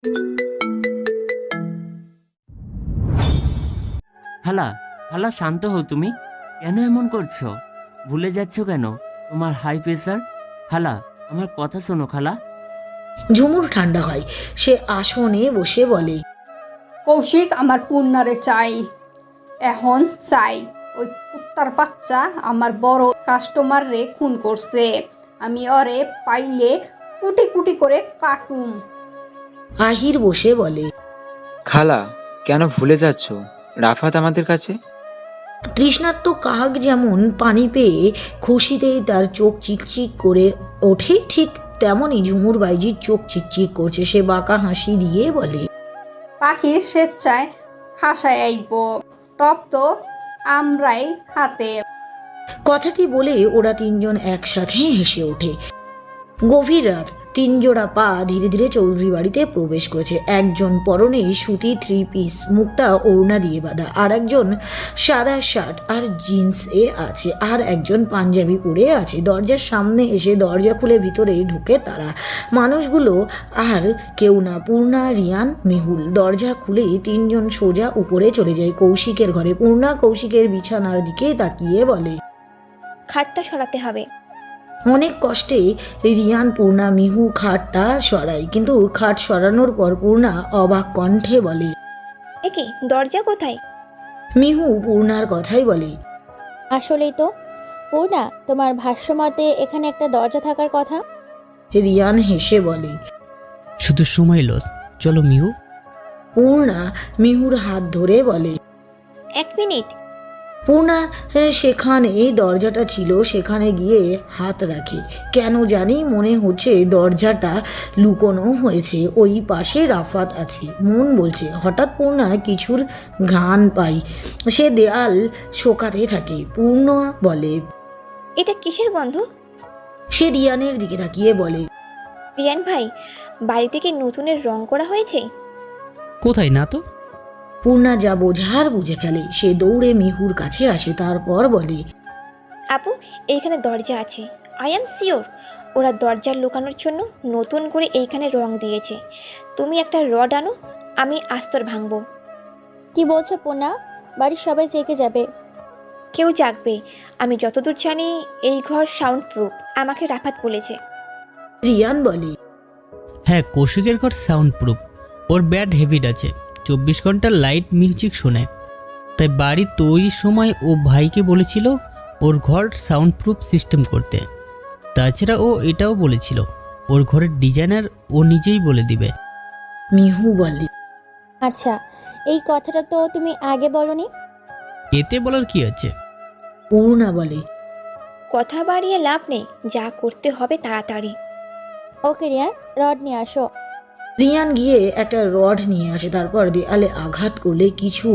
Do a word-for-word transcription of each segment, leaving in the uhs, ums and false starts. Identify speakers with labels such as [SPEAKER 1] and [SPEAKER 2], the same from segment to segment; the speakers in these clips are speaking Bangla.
[SPEAKER 1] খালা, খালা শান্ত হও। তুমি কেন এমন করছো? ভুলে যাচ্ছ কেন তোমার হাই প্রেসার? খালা, আমার কথা শোনো খালা।
[SPEAKER 2] ঝুমুর ঠান্ডা হয়, সে আসনে বসে বলে,
[SPEAKER 3] কৌশিক, আমার পূর্ণারে চাই, এখন চাই। ওই কুত্তার বাচ্চা আমার বড় কাস্টমার রে খুন করছে। আমি ওরে পাইলে কুটি কুটি করে কাটুম।
[SPEAKER 2] আহির বসে বলে,
[SPEAKER 4] খালা, কেন ভুলে যাচ্ছ রাফাত আমাদের কাছে?
[SPEAKER 2] তৃষ্ণার্ত কাক যেমন পানি পেয়ে খুশিতেই তার চোখ চিকচিক করে ওঠে, ঠিক তেমনই ঝুমুর বাইজির চোখ চিকচিক করছে। সে বাঁকা হাসি দিয়ে বলে,
[SPEAKER 3] পাখির স্বেচ্ছায় খাসায় আইব, টপ তো আমরাই হাতে।
[SPEAKER 2] কথাটি বলে ওরা তিনজন একসাথে হেসে ওঠে। গভীর রাত, তিন জোড়া পা ধীরে ধীরে চৌধুরী বাড়িতে প্রবেশ করেছে। একজন পরনে সুতি থ্রি পিস, মুখটা ওড়না দিয়ে বাঁধা, আর একজন সাদা শার্ট আর জিন্স এ আছে, আর একজন পাঞ্জাবি পরে আছে। দরজার সামনে এসে দরজা খুলে ভিতরে ঢুকে তারা। মানুষগুলো আর কেউ না, পূর্ণা, রিয়ান, মিহুল। দরজা খুলে তিনজন সোজা উপরে চলে যায় কৌশিকের ঘরে। পূর্ণা কৌশিকের বিছানার দিকে তাকিয়ে বলে,
[SPEAKER 5] খাটটা সরাতে হবে।
[SPEAKER 2] অনেক কষ্টে রিয়ান, পূর্ণা, মিহু খাটটা সরায়, কিন্তু খাট সরানোর পর পূর্ণা অবাক কণ্ঠে বলে,
[SPEAKER 5] একে দরজা কোথায়?
[SPEAKER 2] মিহু পূর্ণার কথাই বলে,
[SPEAKER 6] আসলেই তো পূর্ণা, তোমার ভাষ্যমতে এখানে একটা দরজা থাকার কথা।
[SPEAKER 2] রিয়ান হেসে বলে।
[SPEAKER 7] শুধু সময় লস, চলো মিহু।
[SPEAKER 2] পূর্ণা মিহুর হাত ধরে বলে।
[SPEAKER 5] এক মিনিট।
[SPEAKER 2] পূর্ণা সেখানে দরজাটা ছিল, সেখানে গিয়ে হাত রাখে। কেন জানি মনে হচ্ছে দরজাটা লুকোনো হয়েছে, ওই পাশে রাফাত আছে। মন বলছে। হঠাৎ পূর্ণা কিছুর ঘ্রাণ পায়, সে দেয়াল শোকাতে থাকে। পূর্ণা বলে,
[SPEAKER 5] এটা কিসের গন্ধ?
[SPEAKER 2] সে রিয়ানের দিকে তাকিয়ে বলে,
[SPEAKER 5] রিয়ান ভাই, বাড়িতে কি নতুনের রং করা হয়েছে?
[SPEAKER 7] কোথায় না তো।
[SPEAKER 2] পূর্ণা যা বোঝার বুঝে ফেলে। সে দৌড়ে মিহুর কাছে আসে, তারপর বলে,
[SPEAKER 5] আপু, এইখানে দরজা আছে। আই এম শিওর ওরা দরজা লুকানোর জন্য নতুন করে এইখানে রং দিয়েছে। তুমি একটা রড আনো, আমি আস্তর ভাঙবো।
[SPEAKER 6] কি বলছো পূর্ণা? বাড়ির সবাই জেগে যাবে।
[SPEAKER 5] কেউ জাগবে। আমি যতদূর জানি এই ঘর সাউন্ড প্রুফ, আমাকে রাফাত বলেছে।
[SPEAKER 2] রিয়ান বলে,
[SPEAKER 7] হ্যাঁ, কৌশিকের ঘর সাউন্ড প্রুফ। ওর ব্যাড হ্যাবিট আছে, চব্বিশ ঘন্টা লাইট মিউজিক শোনে। তাই বাড়ি তৈরির সময় ও ভাইকে বলেছিল ওর ঘর সাউন্ড প্রুফ সিস্টেম করতে। তাছাড়া ও এটাও বলেছিল ওর ঘরের ডিজাইনার ও নিজেই বলে দিবে।
[SPEAKER 2] মিহু বলে,
[SPEAKER 6] আচ্ছা, এই কথাটা তো তুমি আগে বলনি।
[SPEAKER 7] এতে বলার কি আছে?
[SPEAKER 2] পূর্ণা বলে,
[SPEAKER 5] কথা বাড়িয়ে লাভ নেই, যা করতে হবে তাড়াতাড়ি।
[SPEAKER 6] ওকে রিয়ান, রড নিয়ে আসো।
[SPEAKER 2] রিয়ান গিয়ে একটা রড নিয়ে আসে, তারপর দেয়ালে আঘাত করলে কিছু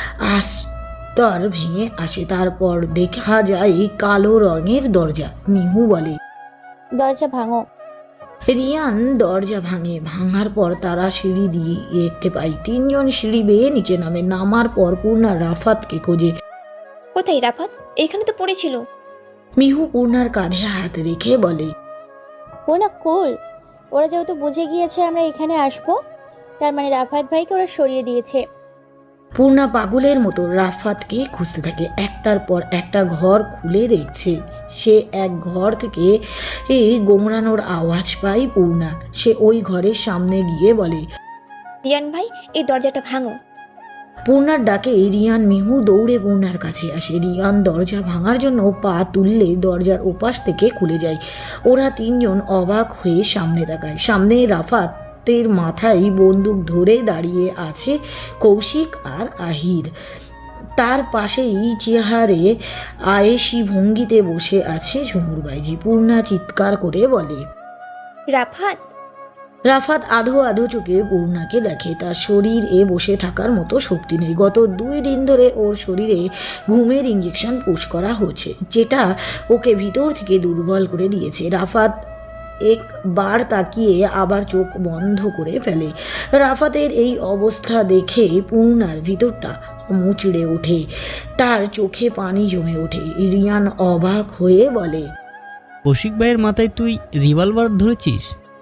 [SPEAKER 2] আস্তর ভেঙে আসে। তারপর দেখা যায় কালো রঙের দরজা। মিহু বলে,
[SPEAKER 6] দরজা ভাঙো।
[SPEAKER 2] রিয়ান দরজা ভাঙে। ভাঙার পর তারা সিঁড়ি দিয়ে দেখতে পাই তিনজন সিঁড়ি বেয়ে নিচে নামে। নামার পর পূর্ণা রাফাতকে খোঁজে।
[SPEAKER 5] কোথায় রাফাত? এখানে তো পড়েছিল।
[SPEAKER 2] মিহু পূর্ণার কাঁধে হাত রেখে বলে,
[SPEAKER 6] পূর্ণা কুল, ওরা যেহেতু বুঝে গিয়েছে আমরা এখানে আসবো, তার মানে রাফাত ভাইকে ওরা সরিয়ে দিয়েছে।
[SPEAKER 2] পূর্ণা পাগলের মতো রাফাতকে খুঁজতে থাকে। একটার পর একটা ঘর খুলে দেখছে। সে এক ঘর থেকে এই গোংরানোর আওয়াজ পায় পূর্ণা। সে ওই ঘরের সামনে গিয়ে বলে,
[SPEAKER 5] রিয়ান ভাই, এই দরজাটা ভাঙো।
[SPEAKER 2] পূর্ণার ডাকে রিয়ান, মিহু দৌড়ে পূর্ণার কাছে আসে। রিয়ান দরজা ভাঙার জন্য পা তুললে দরজার ওপাশ থেকে খুলে যায়। ওরা তিনজন অবাক হয়ে সামনে তাকায়। সামনে রাফাতের মাথায় বন্দুক ধরে দাঁড়িয়ে আছে কৌশিক আর আহির। তার পাশেই চেহারে আয়েশি ভঙ্গিতে বসে আছে ঝুমুর বাইজি। পূর্ণা চিৎকার করে বলে,
[SPEAKER 5] রাফাত।
[SPEAKER 2] রাফাত আধো আধো চোখে পূর্ণাকে দেখে। তার শরীর এ বসে থাকার মতো শক্তি নেই। গত দুই দিন ধরে ওর শরীরে ঘুমের ইঞ্জেকশন পুশ করা হচ্ছে, যেটা ওকে ভিতর থেকে দুর্বল করে দিয়েছে। রাফাত একবার তাকিয়ে আবার চোখ বন্ধ করে ফেলে। রাফাতের এই অবস্থা দেখে পূর্ণার ভিতরটা মুচড়ে ওঠে, তার চোখে পানি জমে ওঠে। রিয়ান অবাক হয়ে বলে,
[SPEAKER 7] কৌশিক ভাইয়ের মাথায় তুই রিভলভার ধরেছিস?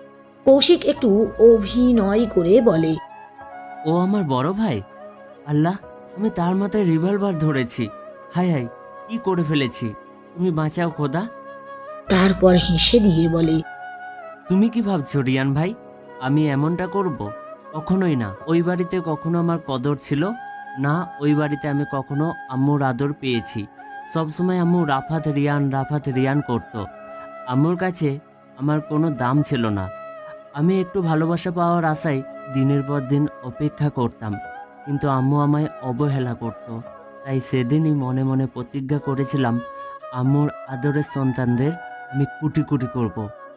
[SPEAKER 2] কৌশিক একটু অভিনয় করে বলে,
[SPEAKER 1] ও আমার বড় ভাই? আল্লাহ, আমি তার মাথায় রিভলভার ধরেছি। হায় হায়, কি করে ফেলেছি! তুমি বাঁচাও খোদা।
[SPEAKER 2] তারপর হেসে দিয়ে বলে,
[SPEAKER 1] তুমি কি ভাবছো রিয়ান ভাই, আমি এমনটা করব? কখনোই না। ওই বাড়িতে কখনো আমার কদর ছিল না, ওই বাড়িতে আমি কখনো আম্মুর আদর পেয়েছি। সবসময় আম্মু রাফাত রিয়ান রাফাত রিয়ান করত। আম্মুর কাছে আমার কোনো দাম ছিল না। আমি একটু ভালোবাসা পাওয়ার আশায় দিনের পর দিন অপেক্ষা করতাম, কিন্তু আম্মু আমায় অবহেলা করত। তাই সেদিনই মনে মনে প্রতিজ্ঞা করেছিলাম, আম্মুর আদরের সন্তানদের আমি কুটি কুটি করব।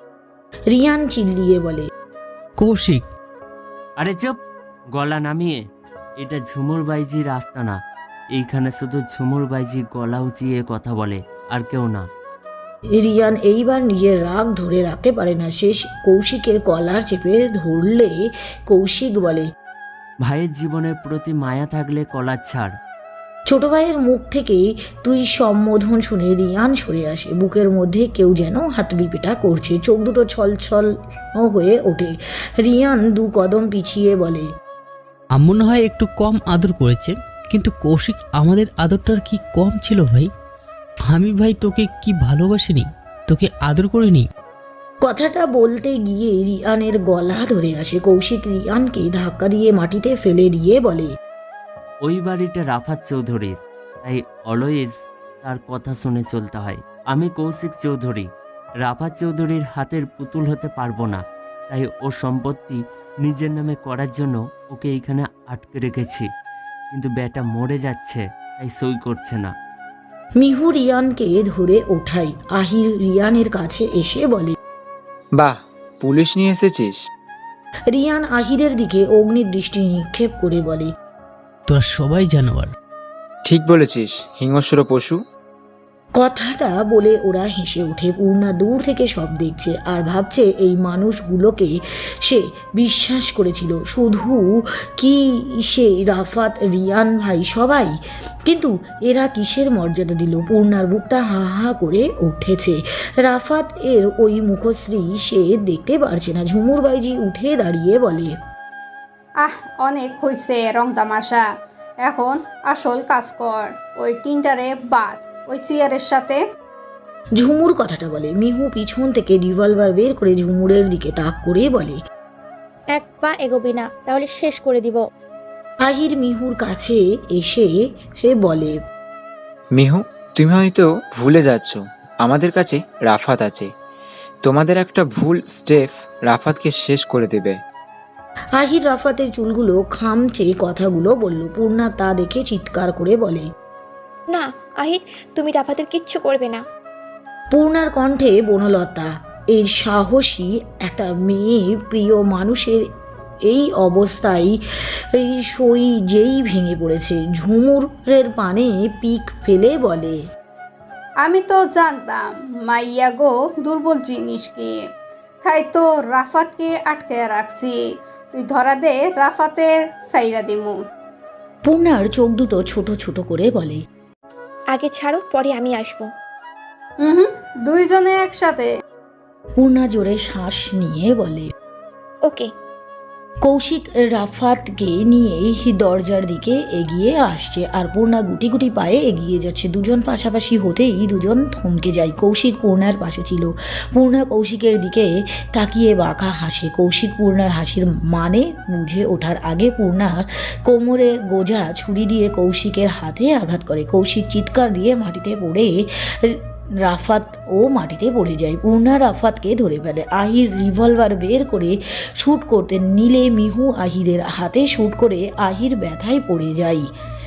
[SPEAKER 2] রিয়ান চিল্লিয়ে বলে,
[SPEAKER 7] কৌশিক,
[SPEAKER 1] আরে চুপ, গলা নামিয়ে। এটা ঝুমুর বাইজির রাস্তা না। এইখানে শুধু ঝুমুর বাইজি গলা উঁচিয়ে কথা বলে, আর কেউ না।
[SPEAKER 2] রিয়ান এইবার নিজের রাগ ধরে রাখতে পারে না। শেষ কৌশিকের কলার চেপে ধরলে কৌশিক বলে,
[SPEAKER 1] ভাইয়ের জীবনের প্রতি মায়া থাকলে কলার ছাড়।
[SPEAKER 2] ছোট ভাইয়ের মুখ থেকে তুই সম্বোধন শুনে রিয়ান সরে আসে। বুকের মধ্যে কেউ যেন হাতুড়ি পেটা করছে, চোখ দুটো ছলছল হয়ে ওঠে। রিয়ান দু কদম পিছিয়ে বলে,
[SPEAKER 7] আম্মু না হয় একটু কম আদর করেছে, কিন্তু কৌশিক আমাদের আদরটার কি কম ছিল ভাই? আমি ভাই তোকে কি ভালোবাসিনি, তোকে আদর করিনি?
[SPEAKER 2] কথাটা বলতে গিয়ে রিয়ানের গলা ধরে আসে। কৌশিক রিয়ানকে ধাক্কা দিয়ে মাটিতে ফেলে দিয়ে বলে,
[SPEAKER 1] ওই বাড়িটা রাফাত চৌধুরীর, তাই অলওয়েজ তার কথা শুনে চলতে হয়। আমি কৌশিক চৌধুরী রাফাত চৌধুরীর হাতের পুতুল হতে পারবো না। তাই ওর সম্পত্তি নিজের নামে করার জন্য ওকে এইখানে আটকে রেখেছি, কিন্তু বেটা মরে যাচ্ছে, তাই সই করছে না।
[SPEAKER 2] মিহু রিয়ানকে ধরে ওঠাই। আহির রিয়ানের কাছে এসে বলে,
[SPEAKER 4] বাহ, পুলিশ নিয়ে এসেছিস?
[SPEAKER 2] রিয়ান আহিরের দিকে অগ্নি দৃষ্টি নিক্ষেপ করে বলে,
[SPEAKER 7] তোরা সবাই জানোয়ার।
[SPEAKER 4] ঠিক বলেছিস, হিংস্র পশু।
[SPEAKER 2] কথাটা বলে ওরা হেসে ওঠে। পূর্ণা দূর থেকে সব দেখছে আর ভাবছে এই মানুষগুলোকে সে বিশ্বাস করেছিল শুধু কি সে রাফাত রিয়ান ভাই সবাই, কিন্তু এরা কিসের মর্যাদা দিল? পূর্ণার বুকটা হা হা করে উঠেছে। রাফাত এর ওই মুখশ্রী সে দেখতে পারছে না। ঝুমুর বাইজি উঠে দাঁড়িয়ে বলে,
[SPEAKER 3] আহ, অনেক হয়েছে রং তামাশা, এখন আসল কাজ কর। ওই টিনটারে বাদ ওই চেয়ারের সাথে।
[SPEAKER 2] ঝুমুর কথাটা বলে। মিহু পিছন থেকে রিভলভার বের করে ঝুমুরের দিকে তাক করে বলে,
[SPEAKER 6] এক পা এগোবি না, তাহলে শেষ করে দিব।
[SPEAKER 2] আহির মিহুর কাছে এসে হে বলে,
[SPEAKER 4] মিহু, তুমি হয়তো ভুলে যাচ্ছ, আমাদের কাছে রাফাত আছে। তোমাদের একটা ভুল স্টেপ রাফাতকে শেষ করে দেবে।
[SPEAKER 2] আহির রাফাতের চুলগুলো খামচে কথাগুলো বলল। পূর্ণা তা দেখে চিৎকার করে বলে,
[SPEAKER 5] না আহির, তুমি রাফাতের কিচ্ছু করবে না।
[SPEAKER 2] পূর্ণার কণ্ঠে বনলতা। এর সাহসী একটা মেয়ে প্রিয় মানুষের এই অবস্থায় এই সই যেই ভেঙে পড়েছে। ঝুমুরের পানে পিক ফেলে বলে,
[SPEAKER 3] আমি তো জানতাম মাইয়া গো দুর্বল জিনিস কি, তাই তো রাফাতকে আটকে রাখছি। তুই ধরা দে, রাফাতের সাইরা দিমু।
[SPEAKER 2] পূর্ণার চোখ দুটো ছোট ছোট করে বলে,
[SPEAKER 5] আগে ছাড়ো, পরে আমি আসবো।
[SPEAKER 3] হুম হুম, দুইজনে একসাথে।
[SPEAKER 2] পূর্ণা জোরে শ্বাস নিয়ে বলে।
[SPEAKER 5] ওকে।
[SPEAKER 2] কৌশিক রাফাতকে নিয়ে দরজার দিকে এগিয়ে আসছে আর পূর্ণা গুটি গুটি পায়ে এগিয়ে যাচ্ছে। দুজন পাশাপাশি হতেই দুজন থমকে যায়। কৌশিক পূর্ণার পাশে ছিল। পূর্ণা কৌশিকের দিকে তাকিয়ে বাঁকা হাসে। কৌশিক পূর্ণার হাসির মানে বুঝে ওঠার আগে পূর্ণার কোমরে গোজা ছুরি দিয়ে কৌশিকের হাতে আঘাত করে। কৌশিক চিৎকার দিয়ে মাটিতে পড়ে রাফাত ও মাটিতে পড়ে যায়। পূর্ণা রাফাতকে ধরে ফেলে। আহির রিভলভার বের করে শ্যুট করতে নিলে মিহু আহিরের হাতে শ্যুট করে আহির ব্যথায় পড়ে যায়।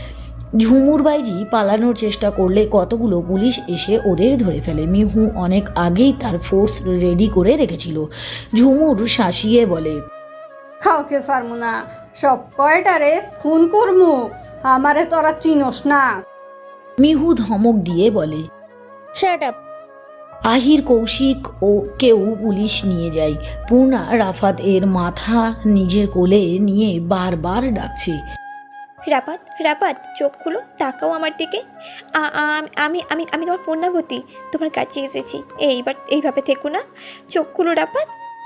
[SPEAKER 2] ঝুমুর বাইজি পালানোর চেষ্টা করলে কতগুলো পুলিশ এসে ওদের ধরে ফেলে। মিহু অনেক আগেই তার ফোর্স রেডি করে রেখেছিল। ঝুমুর শাসিয়ে বলে,
[SPEAKER 3] কাউকে সারমু না, সব কয়টারে খুন করমু, আমারে তোরা চিনোস না।
[SPEAKER 2] মিহু ধমক দিয়ে বলে,
[SPEAKER 6] শাট আপ।
[SPEAKER 2] আহির কৌশিক ও কেউ পুলিশ নিয়ে যায়। পূর্ণা রাফাত এর মাথা নিজের কোলে নিয়ে বারবার ডাকছে,
[SPEAKER 5] রাপাত রাপাত, চোখ খুলো, তাকাও আমার দিকে। আ- আ- আমি আমি আমি তোমার পূর্ণাবতী, তোমার কাছে এসেছি। এইবার এইভাবে থেকো না, চোখ খুলো রাপাত।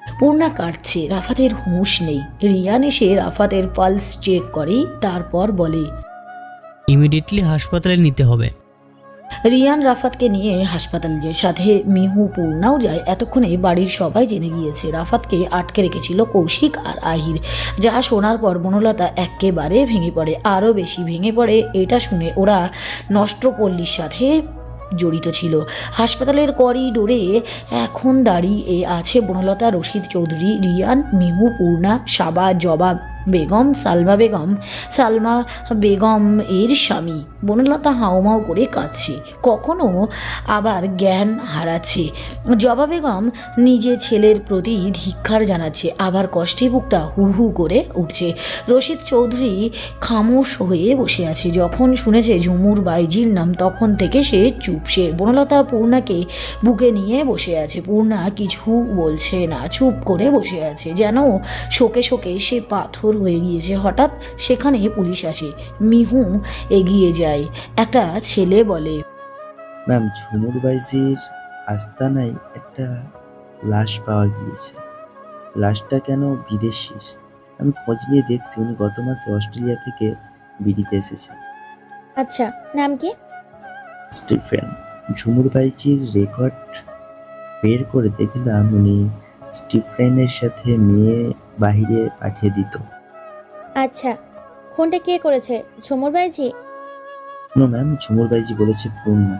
[SPEAKER 2] পূর্ণা কাটছে, রাফাতের হুঁশ নেই। রিয়ান এসে রাফাতের পালস চেক করে, তারপর বলে,
[SPEAKER 7] ইমিডিয়েটলি হাসপাতালে নিতে হবে।
[SPEAKER 2] রিয়ান রাফাতকে নিয়ে হাসপাতালে যায়, সাথে মিহু পূর্ণাও যায়। এতক্ষণে বাড়ির সবাই জেনে গিয়েছে রাফাতকে আটকে রেখেছিল কৌশিক আর আহির। যা শোনার পর বনলতা একেবারে ভেঙে পড়ে, আরও বেশি ভেঙে পড়ে এটা শুনে ওরা নষ্টপল্লীর সাথে জড়িত ছিল। হাসপাতালের করিডোরে এখন দাঁড়িয়ে আছে বনলতা, রশিদ চৌধুরী, রিয়ান, মিহু, পূর্ণা, সাবা, জবা বেগম, সালমা বেগম, সালমা বেগম এর স্বামী। বনলতা হাউমাউ করে কাঁদছে, কখনো আবার জ্ঞান হারাচ্ছে। জবা বেগম নিজে ছেলের প্রতি ধিক্কার জানাচ্ছে, আবার কষ্টে বুকটা হু হু করে উঠছে। রশিদ চৌধুরী খামোশ হয়ে বসে আছে। যখন শুনেছে ঝুমুর বাইজির নাম তখন থেকে সে চুপ। সে বনলতা পূর্ণাকে বুকে নিয়ে বসে আছে। পূর্ণা কিছু বলছে না, চুপ করে বসে আছে, যেন শোকে শোকে সে পাথর হয়ে গিয়েছে। হঠাৎ সেখানে পুলিশ আসে। মিহু এগিয়ে যায়। একটা ছেলে বলে,
[SPEAKER 8] ম্যাম, ঝুমুর বাইজির আস্তানায় একটা লাশ পাওয়া গিয়েছে। লাশটা কেন বিদেশির? আমি খোঁজ নিয়ে দেখছি উনি গত মাসে অস্ট্রেলিয়া থেকে বিড়িতে এসেছেন।
[SPEAKER 6] আচ্ছা, নাম কি?
[SPEAKER 8] স্টিফেন। ঝুমুর বাইজির রেকর্ড বের করে দেখলাম উনি স্টিফেনের সাথে মেয়ে বাহিরে পাঠিয়ে দিত।
[SPEAKER 6] আচ্ছা, খুনটা কে করেছে? ঝুমুর বাইজি?
[SPEAKER 8] নো ম্যাম, ঝুমুর বাইজি বলেছে পূর্ণা।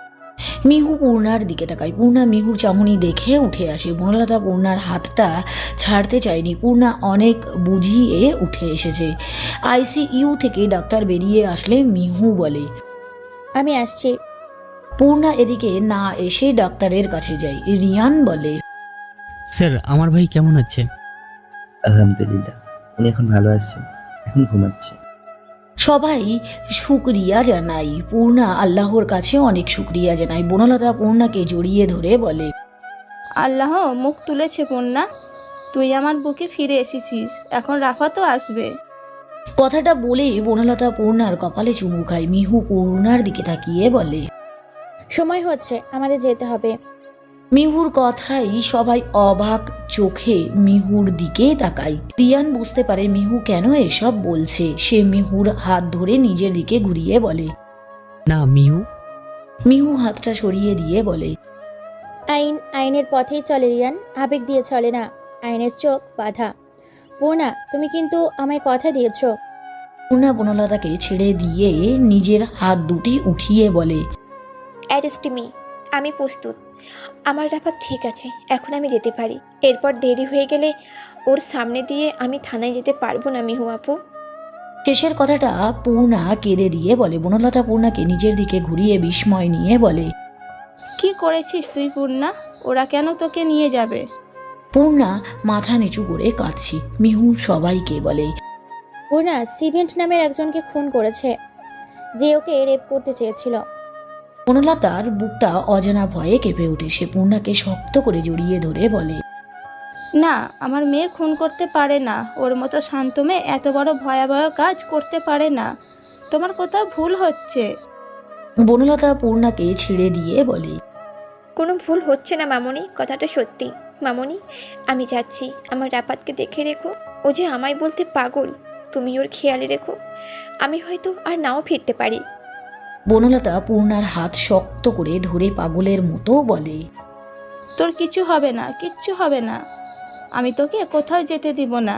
[SPEAKER 2] মিহু পূর্ণার দিকে তাকায়। পূর্ণা মিহুর চাহনি দেখে উঠে আসে। বনলতা পূর্ণার হাতটা ছাড়তে চায়নি। পূর্ণা অনেক বুঝিয়ে উঠে এসেছে। আইসিইউ থেকে ডাক্তার বেরিয়ে আসলে মিহু বলে,
[SPEAKER 6] আমি আসছি।
[SPEAKER 2] পূর্ণা এদিকে না এসে ডাক্তারের কাছে যায়। রিয়ান বলে,
[SPEAKER 7] স্যার, আমার ভাই কেমন আছে?
[SPEAKER 8] আলহামদুলিল্লাহ, উনি এখন ভালো আছে, এখন ঘুমাচ্ছে।
[SPEAKER 2] সবাই শুকরিয়া জানাই। পূর্ণা আল্লাহর কাছে অনেক শুকরিয়া জানাই। বনলতা পূর্ণাকে জড়িয়ে ধরে বলে,
[SPEAKER 9] আল্লাহ মুখ তুলেছে পূর্ণা, তুই আমার বুকে ফিরে এসেছিস, এখন রাফাতও আসবে।
[SPEAKER 2] কথাটা বলে বনলতা পূর্ণার কপালে চুমু খায়। মিহু পূর্ণার দিকে তাকিয়ে বলে,
[SPEAKER 6] সময় হচ্ছে, আমাদের যেতে হবে।
[SPEAKER 2] মিহুর কথাই সবাই অবাক চোখে মিহুর দিকে তাকায়। রিয়ান বুঝতে পারে মিহু কেন এসব বলছে। সে মিহুর হাত ধরে নিজের দিকে ঘুরিয়ে বলে,
[SPEAKER 7] না মিহু।
[SPEAKER 2] মিহু হাতটা সরিয়ে দিয়ে বলে,
[SPEAKER 6] আইন আইনের পথেই চলে রিয়ান, আবেগ দিয়ে চলে না। আইনের চোখ বাঁধা। পূর্ণা, তুমি কিন্তু আমায় কথা দিয়েছ।
[SPEAKER 2] পূর্ণা বনলতাকে ছেড়ে দিয়ে নিজের হাত দুটি উঠিয়ে বলে,
[SPEAKER 5] অ্যারেস্ট মি, আমি প্রস্তুত। আমার রাফাত ঠিক আছে, এখন আমি যেতে পারি। এরপর দেরি হয়ে গেলে ওর সামনে দিয়ে আমি থানায় যেতে পারবো না মিহু আপু।
[SPEAKER 2] শেষের কথাটা পূর্ণা কেঁদে দিয়ে বলে। বনলতা পূর্ণাকে নিজের দিকে ঘুরিয়ে বিস্ময় নিয়ে বলে,
[SPEAKER 9] কি করেছিস তুই পূর্ণা? ওরা কেন তোকে নিয়ে যাবে?
[SPEAKER 2] পূর্ণা মাথা নিচু করে কাঁদছি। মিহু সবাইকে বলে,
[SPEAKER 6] পূর্ণা সিভেন্ট নামের একজনকে খুন করেছে, যে ওকে রেপ করতে চেয়েছিল।
[SPEAKER 2] বনলতার বুকটা অজানা ভয়ে কেঁপে ওঠে। সে পূর্ণাকে শক্ত করে জড়িয়ে ধরে বলে,
[SPEAKER 9] না, আমার মেয়ে খুন করতে পারে না। ওর মতো শান্ত মেয়ে এত বড় ভয়াবহ কাজ করতে পারে না। তোমার কোথাও ভুল হচ্ছে।
[SPEAKER 2] বনলতা পূর্ণাকে ছেড়ে দিয়ে বলে,
[SPEAKER 5] কোনো ভুল হচ্ছে না মামনি, কথাটা সত্যি। মামনি, আমি যাচ্ছি, আমার রাফাতকে দেখে রেখো। ও যে আমায় বলতে পাগল, তুমি ওর খেয়ালে রেখো। আমি হয়তো আর নাও ফিরতে পারি।
[SPEAKER 2] বনলতা পূর্ণার হাত শক্ত করে ধরে পাগলের মতো বলে,
[SPEAKER 9] তোর কিছু হবে না, কিচ্ছু হবে না। আমি তোকে কোথাও যেতে দিব না।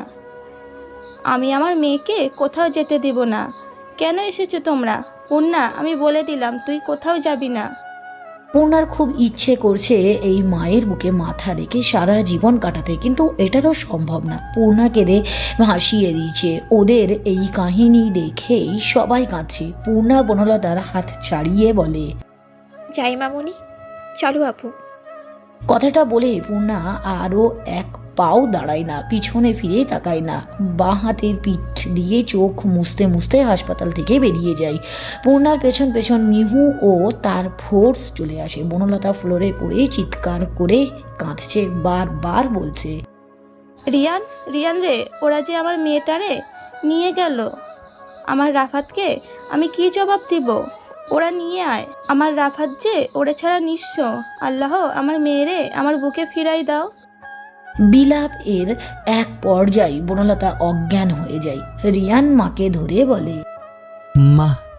[SPEAKER 9] আমি আমার মেয়েকে কোথাও যেতে দিব না। কেন এসেছো তোমরা? পূর্ণা, আমি বলে দিলাম তুই কোথাও যাবি না।
[SPEAKER 2] পূর্ণার খুব ইচ্ছে করছে এই মায়ের বুকে মাথা রেখে সারা জীবন কাটাতে, কিন্তু এটা তো সম্ভব না। পূর্ণা কেঁদে হাসিয়ে দিয়েছে। ওদের এই কাহিনী দেখেই সবাই কাঁদছে। পূর্ণা বনলতার হাত ছাড়িয়ে বলে,
[SPEAKER 5] যাই মামনি, চলো আপু।
[SPEAKER 2] কথাটা বলে পূর্ণা আরও এক পাও দাঁড়ায় না, পিছনে ফিরে তাকায় না, বাঁ হাতের পিঠ দিয়ে চোখ মুছতে মুছতে হাসপাতাল থেকে বেরিয়ে যায়। পূর্ণার পেছন পেছন মিহু ও তার ফোর্স চলে আসে। বনলতা ফ্লোরে পড়ে চিৎকার করে কাঁদছে, বারবার বলছে,
[SPEAKER 9] রিয়ান, রিয়ান রে, ওরা যে আমার মেয়েটারে নিয়ে গেল, আমার রাফাতকে আমি কি জবাব দিব? ওরা নিয়ে আয়। আমার রাফাত যে ওরে ছাড়া নিঃস্ব। আল্লাহ, আমার মেয়েরে আমার বুকে ফিরাই দাও।
[SPEAKER 2] বিলাপ এর এক পর্যায়ে বনলতা অজ্ঞান হয়ে যায়। রিয়ান মাকে ধরে বলে,
[SPEAKER 7] মা